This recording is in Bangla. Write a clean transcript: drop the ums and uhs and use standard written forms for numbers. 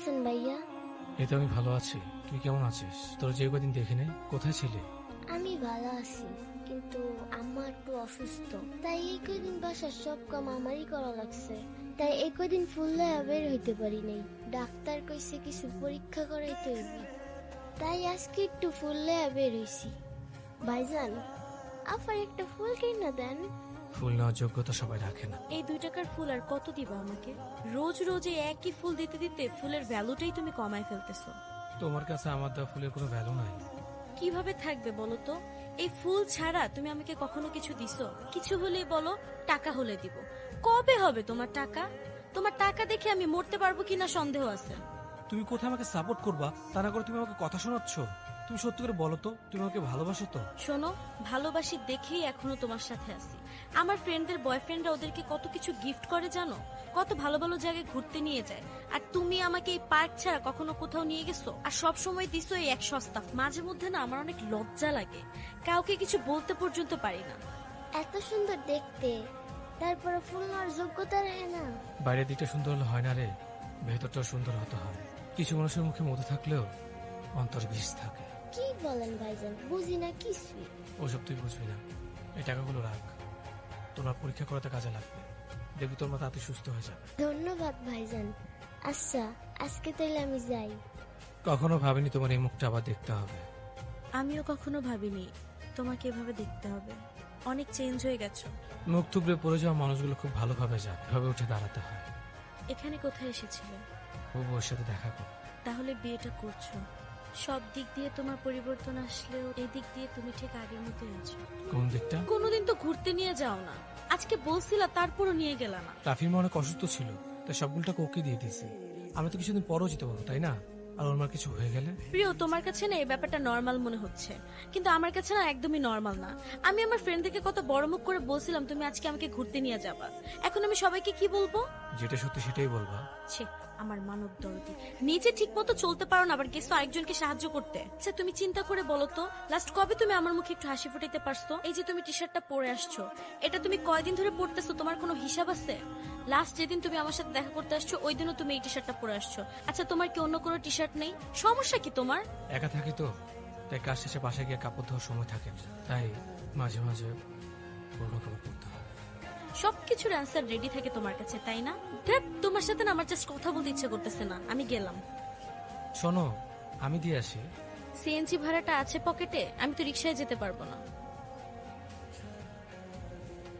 আছেন ভাইয়া? এই তো আমি ভালো আছি। তুই কেমন আছিস? তোর যে কদিন দেখি নাই, কোথায় ছিলি? আমি ভালো আছি, কিন্তু আম্মা একটু অসুস্থ, তাই এই কদিন বাসার সব কাম আমারই করা লাগছে। তাই এই কদিন ফুল লয়া বের হইতে পারি নাই। ডাক্তার কইছে কিছু পরীক্ষা করাইতে হইবে, তাই আজকে একটু ফুল লয়া বের হইছি। ভাইজান, আফার একটা ফুল কিনা দেন। ফুল নেওয়ার যোগ্যতা সবাই রাখে না। এই 2 টাকার ফুল আর কত দিবা আমাকে? রোজ রোজ এই একই ফুল দিতে দিতে ফুলের ভ্যালুটাই তুমি কমায় ফেলতেছো। তোমার কাছে আমার দেওয়া ফুলের কোনো ভ্যালু নাই। কিভাবে থাকবে বলো তো? এই ফুল ছাড়া তুমি আমাকে কখনো কিছু দিছো? কিছু হলেই বলো টাকা হলে দিব। কবে হবে তোমার টাকা? তোমার টাকা দেখে আমি মরতে পারবো কিনা সন্দেহ আছে। তুমি কোথায় আমাকে সাপোর্ট করবা, তা না করে তুমি আমাকে কথা শোনাচ্ছ? তুমি সত্যি করে বলো তো, তুমি আমাকে ভালোবাসো তো? শোনো, ভালোবাসি দেখেই এখনো তোমার সাথে আছি। আমার ফ্রেন্ডদের বয়ফ্রেন্ডরা ওদেরকে কত কিছু গিফট করে জানো, কত ভালো ভালো জায়গায় ঘুরতে নিয়ে যায়। আর তুমি আমাকে এই পার্ক ছাড়া কখনো কোথাও নিয়ে গেছো? আর সব সময় দিছো এই এক সস্তা। মাঝে মধ্যে না আমার অনেক লজ্জা লাগে, কাউকে কিছু বলতে পর্যন্ত পারি না। এত সুন্দর দেখতে, তারপরে ফুল নেওয়ার যোগ্যতা রাখে না। বাইরের দিকটা সুন্দর হলে হয় না রে, ভেতরটাও সুন্দর হতে হয়। কিছু মানুষের মুখে মধু থাকলেও অন্তর বিষ থাকে। কি বলেন ভাইজান, বুঝি না কিছুই। ওসব তুই বুঝবি না। এই টাকাগুলো রাখ, তোমার পরীক্ষা করাতে কাজে লাগবে। দেখবি তোর মা তাতে সুস্থ হয়ে যাবে। ধন্যবাদ ভাইজান। আচ্ছা, আজকে তাইলে আমি যাই। কখনো ভাবিনি তোমার এই মুখটা আবার দেখতে হবে। আমিও কখনো ভাবিনি তোমাকে এভাবে দেখতে হবে। অনেক চেঞ্জ হয়ে গেছো। মুখ থুবড়ে পড়ে যাওয়া মানুষগুলো খুব ভালোভাবে যায়, এভাবে উঠে দাঁড়াতে হয়। এখানে কোথায় এসেছিলে? ও ওর সাথে দেখা কর। তাহলে বিয়েটা করছো? সব দিক দিয়ে তোমার পরিবর্তন আসলেও এই দিক দিয়ে তুমি ঠিক আগের মতোই আছো। কোন দিকটা? কোনোদিন তো ঘুরতে নিয়ে যাও না, আজকে বলছিলা তারপরও নিয়ে গেলা না। রাফির মা অনেক অসুস্থ ছিল, তাই সবগুলোটাকে ওকে দিয়ে দিয়েছি। আমি তো কিছুদিন পরও যেতে পারবো, তাই না? আর ওর মার কিছু হয়ে গেলে? প্রিয়, তোমার কাছে না এই ব্যাপারটা নর্মাল মনে হচ্ছে, কিন্তু আমার কাছে না একদমই নর্মাল না। আমি আমার ফ্রেন্ডদেরকে কত বড় মুখ করে বলছিলাম তুমি আজকে আমাকে ঘুরতে নিয়ে যাবা। এখন আমি সবাইকে কি বলবো? যেটা সত্যি সেটাই বলবা। ছে, আমার মানব দরদি, নিজে ঠিক মতো চলতে পারো না, আবার গেছো আরেকজনকে সাহায্য করতে। আচ্ছা তুমি চিন্তা করে বলো তো, লাস্ট কবে তুমি আমার মুখে একটু হাসি ফুটাইতে পারছো? এই যে তুমি টি শার্টটা পরে আসছো, এটা তুমি কয়দিন ধরে পরতেছো, তোমার কোনো হিসাব আছে? লাস্ট যেদিন তুমি আমার সাথে দেখা করতে আসছো ওই দিনও তুমি এই টি শার্টটা পরে আসছো। আচ্ছা তোমার কি অন্য কোনো টি শার্ট নেই? সমস্যা কি তোমার? একা থাকি তো, তাই কাজ শেষে বাসায় গিয়ে কাপড় ধোয়ার সময় থাকে না। তাই মাঝে মাঝে পুরোনো কাপড় পরতে হয়। সবকিছুর অ্যান্সার রেডি থাকে তোমার কাছে, তাই না? ধ্যাৎ, তোমার সাথে না আমার জাস্ট কথা বলতে ইচ্ছে করতেছে না, আমি গেলাম। শোনো, আমি দিয়ে আসি। সিএনজি ভাড়াটা আছে পকেটে, আমি তো রিক্সায় যেতে পারবো না।